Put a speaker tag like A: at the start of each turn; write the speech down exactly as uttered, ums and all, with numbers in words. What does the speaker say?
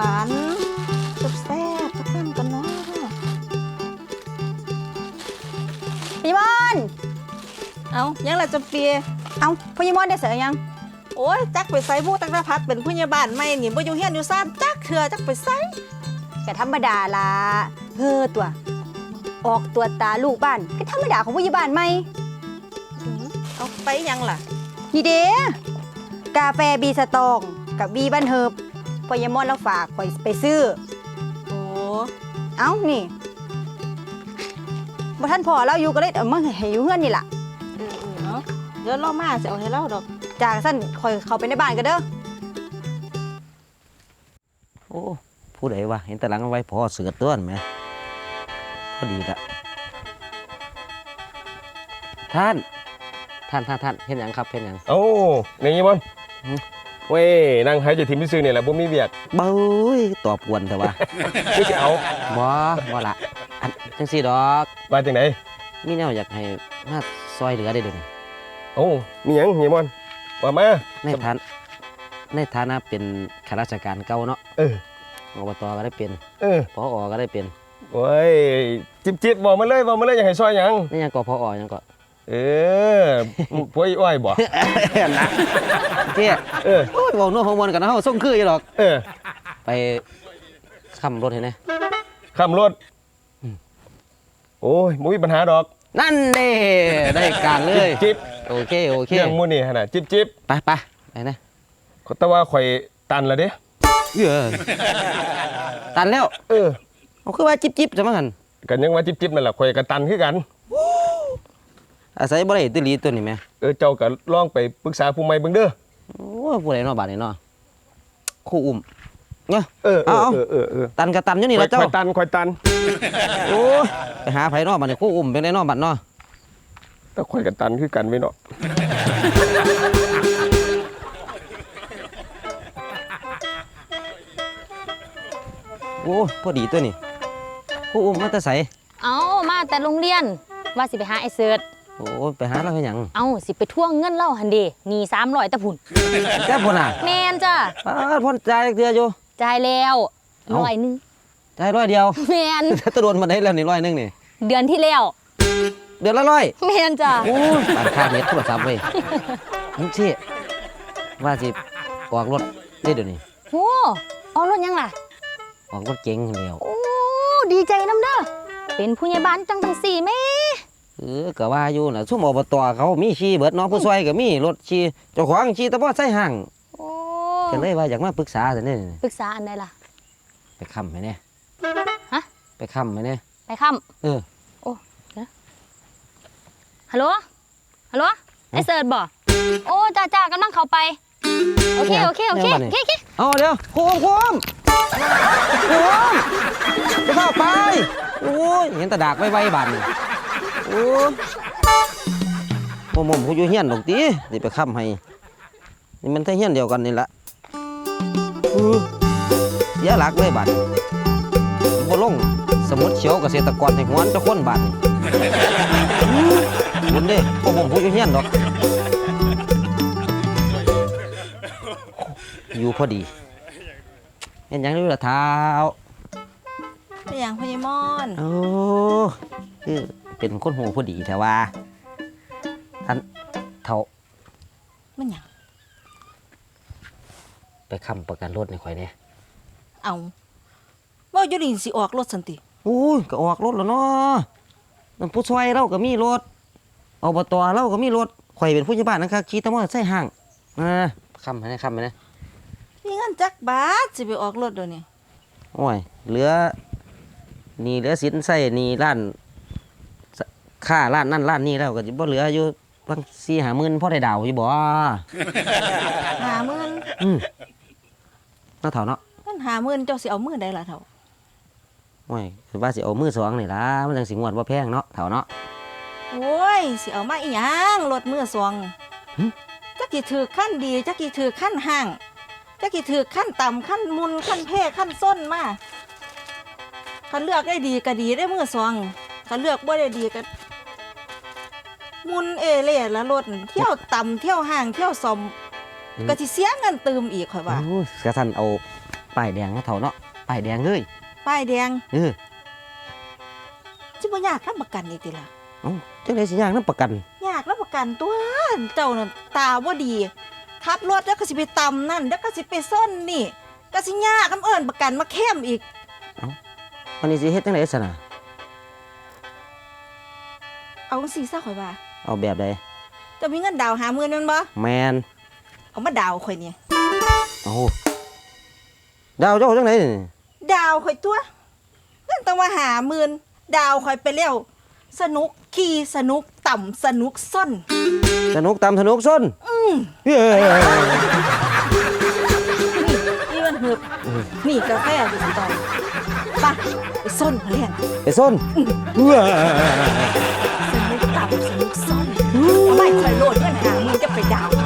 A: านแซ่บๆสักคำกันเนาะพี่มอนเอายังละจำเปียเอาพี่มอนได้เสียยังโอ้ยจักไปใส่ผู้ตั้งแต่พัดเป็นผู้ใหญ่บ้านไม่หนีบ่อยู่เฮียนอยู่ซ่านจักเถื่อจักไปใส่ก็ธรรมดาล่ะเฮ้อตัวออกตัวตาลูกบ้านก็ธรรมดาของผู้ใหญ่บ้านไม่เอาไปยังล่ะนี่เด้กาแฟบีสตองกับบีบันเฮิบพอยมอนแล้วฝากไปไปซื้อโอ้เอ้านี่บ่ท่านพอเราอยู่ก็เลยเอามาให้อยู่เฮือนนี่ล่ะเออเออเนาะเดี๋ยวเรามาสิเอาให้เราดอกจากสั้นคอยเข้าไปในบ้านกันเด้อ
B: โอ้ผู้ใดวะเห็นแต่หลังไว้พอเสือต้นไหมพอดีละท่านท่านท่านท่านเห็นยังครับเห็นยัง
C: โอ้ในยี่บอลเว้ยนั่งหายใจทิมพิซซื้อเนี่ยแหละบ่มีเบียด
B: เบ้ยตอบกวนแต่ว่า
C: คือจะเอา
B: บ่บ่ละอันจังสี่ดอก
C: มาจากไหน
B: มีแนวอยากให้มาซอยเหลือได้เดี๋ยวนี้
C: โอ้มีหยังยี่บอลว่ามา
B: ในฐานในฐานะเป็นข้าราชการเก่าเนาะ
C: เออ
B: อบตก็ได้เป็น
C: เออ
B: ผอก็ได้เป็น
C: โอ้ยจิบจิบบอกมาเลยบอกมาเลยอยากให้ซอยหยัง
B: นี่ยังก็ผอยังก็
C: เออพวยอ้อยบ่
B: นะเจ๊
C: เออ
B: โอ้ยบอกนัวของมันกันนะเฮาส่งคืออยู่หรอก
C: เออ
B: ไปขับรถเห็นไหม
C: ขับรถโอ้ยบ่มีปัญหาดอก
B: นั่นเด้ได้การเลย
C: จิบ
B: โอเคโอเค
C: เรื่องมื้อนี้ขนาดจิบจิบ
B: ไปไปไปนะ
C: แต่ว่าข่อยตันแล้วเด้
B: เออตันแล้ว
C: เออ
B: เอาคือว่าจิบจิบจะมากัน
C: กันยังว่าจิบจิบนั่นแหละข่อยก็ตันคือกัน
B: อาศัยบ่ได้ตุลีตัวนี้แม่
C: เออเจ้าก็ลองไปปรึกษาผู้ใหม่เบิ่งเด้อ
B: โอ้ผู้ใดเนาะบาดนี้เนาะคู่อุ้มเนาะ
C: เออเออเออเออ
B: ตันก็ตันอยู่นี่ล่ะเจ้า
C: ข่อยตันข่อยตัน
B: โอ้ไปหาไผเนาะบัดนี้คู่อุ้มเป็นไดเนาะบัดเนาะ
C: แต่ข่อยก็ตันคือกันไว้เนาะ
B: โอ้พอดีตัวนี้คู่อุ้มมาแต่ไส
D: เอามาแต่โรงเรียนว่าสิไปหาไอ้เสิร์ช
B: โอ้ไปหาเราเฮ็ดหยัง
D: เอาสิไปทวงเงินเล่าหันเดหนีสามร้อยตะพุ่น
B: แค่พุ่นน่ะ
D: แมนจ้ะ
B: ป้าพ่นจ่ายเทื่ออยู่
D: จ่ายแล้วร้อยนึง
B: จ่ายร้อยเดียว
D: แมน
B: ตะโดนมาได้แล้วนี่ร้อยนึงนี่
D: เดือนที่แล้ว
B: เดือนละร้อย
D: แมนจ้ะ
B: โอ้ยปานค่าเน็ตโทรศัพท์เว้ยนี่สิว่าสิออกรถได้เดี๋ยวนี้
D: โอ้ออกรถยังล่ะ
B: ออกรถเก๋งแล้ว
D: โอ้ดีใจน้ำเด้อเป็นผู้ใหญ่บ้านจังทั้งสี่แม่
B: เออก็ว่าอยู่น่ะซุ่มอบตเขามีขี่เบิดเนาะผู้ช่วยก็มีรถขี่เจ้าของขี่ตะบ่ใส่ห่าง
D: โอ้
B: ก็เลยว่าอยากมาปรึกษาซะนี่
D: ปรึกษาอันใดล่ะ
B: ไปค้ำไหมเนี่ย
D: ฮะ
B: ไปค้ำไหมเนี่ย
D: ไปค้
B: ำเออ
D: โอ้นะฮัลโหลฮัลโหลไอ้เสิร์ชบ่โอ้จ้าจ้ากำลังเข้าไปโอเคโอเคโอเคโอเค
B: เอาเดี๋ยวโค้งโค้งโค้งจะเข้าไปโอ้ยเห็นตะดากไว้ไว้บานโอ้โมโมมเขาอยู่เฮียนดอกตีนี่ไปค้ำให้นี่มันแค่เฮียนเดียวกันนี่แหละเสียหลักเลยบานบ่ลงสมุดเขียวเกษตรกรในหัวจะค้นบานบุญเด้โมโมมเขาอยู่เฮียนดอกอยู่พอดีเห็นยังอยู่ละเท้า
A: เป็นอย่างพญมอน
B: โอ้คือเป็นคนหูพอดีแต่ว่าท่านเท่า
A: มันอย่าง
B: ไปค้ำประกันรถในข่อยเนี่ย
A: เอาว่าอยู่ดีสิออกรถสันติ
B: โอ้ยก็ออกรถแล้วเนาะนั่นผู้ช่วยเราก็มีรถอบตเราก็มีรถข่อยเป็นผู้ใหญ่บ้านนะครับขี่ตะมอใส่ห่างนะค้ำไปนะค้ำไปนะ
A: มีเงินจักบาทสิไปออกรถเดี๋ยวนี้
B: โอ้ยเหลือนี่เหลือสินใส่นี่ร้านค่าร้านนั่นร้านนี่แล้วก็จะบ่เหลืออยู่บางสี่หาหมื่นพ่อได้ดาวอยู่บ่
A: หาหมื่น
B: อืมน่าเท่าเนาะ
A: เงินหาหมื่นเจ้าสิเอามือใดล่ะเท่า
B: โอ้ยคือว่าสิเอามือสองนี่ล่ะมันจังสิงวดว่าแพงเนาะเท่าเนาะ
A: โอ้ยสิเอามาอีหยังรถมือสองจักกี่ถือขั้นดีจักกี่ถือขั้นห่างจักกี่ถือขั้นต่ำขั้นมุนขั้นเพ่ขั้นส้นมาคันเลือกได้ดีก็ดีได้มือสองคันเลือกบ่ได้ดีก็มุนเอเล่ละรถเที่ยวต่ำเที่ยวห่างเที่ยวสมก็สิเสียเงินเติมอีกค่อยว่า
B: โอ้กระทันเอาป้ายแดงเนาะเฒ่าเนาะป้ายแดงเลย
A: ป้ายแดง
B: เออ
A: สิบ่ยากรับประกันอีกติล่ะ
B: เอ้าจังได๋สิย่างนํประกัน
A: ยากรับประกันตัวเจ้านั่นตาบ่ดีขับรถแล้วก็สิไปตำนั่นแล้วก็สิไปซ่อนนี่ก็สิยากนํเอิ้นประกันมาเข้มอีก
B: วันนี้สิเฮ็ดจังได๋ซะน่ะ
A: เอาจังซี่ซะข่อยว่า
B: เอาแบบใด
A: เจะมีเงินดาวน์ห้าหมื่นแม่นบ่
B: แมน
A: เอามาดาวน์ข่อยนี่
B: เอาดาวเจ้าจังไดนี่
A: ดาวน์ข่อยตัวเงินต้องมาห้าหมื่นดาวน์ข่อยไปแล้วสนุกขี่สนุกต่ำสนุกซ่อน
B: สนุกตามสนุกส้น
A: อืม
B: เฮ้ย
A: นี่มันหืบนี่กาแฟอยู่สิตอนไปไปซ่อนเขาเรียน
B: ไปส้นว้า
A: สนุกต่ำสนุกซ่อนเอาไม่คอยโลดเงินหามึงจะไปดาวน์